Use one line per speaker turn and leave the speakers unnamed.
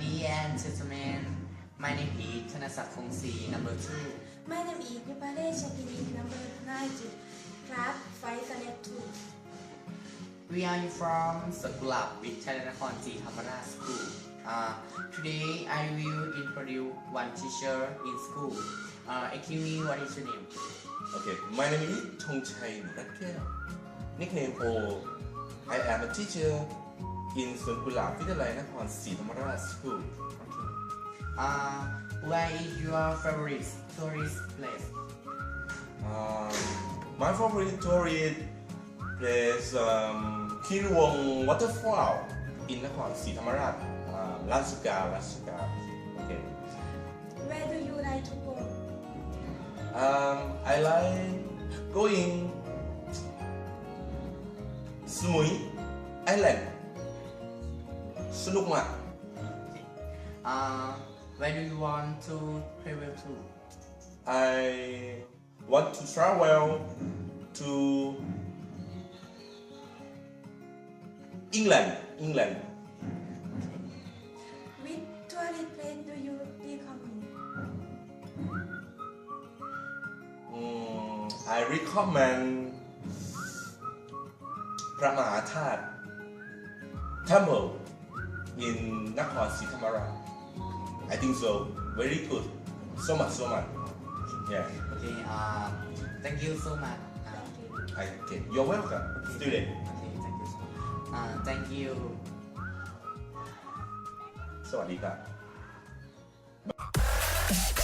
Ladies and gentlemen, my name is ธนศักดิ์คงศรี number 2
My name is Nipale Shakini, number 9, class 5, standard 2.
We are from สวนกุหลาบวิทยาลัยนครศรีธรรมราช School. Today I will introduce one teacher in school. Excuse me, what is your name?
Okay, my name is Thongchai Nuratkel. Nickname O. I am a teacher in Suan Kulap Vidyalaya Nakhonศรีธรรมราช School.
Where is your favorite tourist place?
My favorite tourist place Kiruwong Waterfall in Nakhonศรีธรรมราช Ratsuka. Okay.
Where do you like to go?
I like going Samui Island. สนุกมาก
Where do you want to travel to?
I want to travel to England.
Which tourist place do you recommend?
I recommend พระมหาธาตุ Temple in Nakhonศรีธรรมราช I think so. Very good. So much. Yeah.
Okay, thank you so much.
Okay. You're welcome, student.
Okay, thank you so much. Thank you.
สวัสดีครับ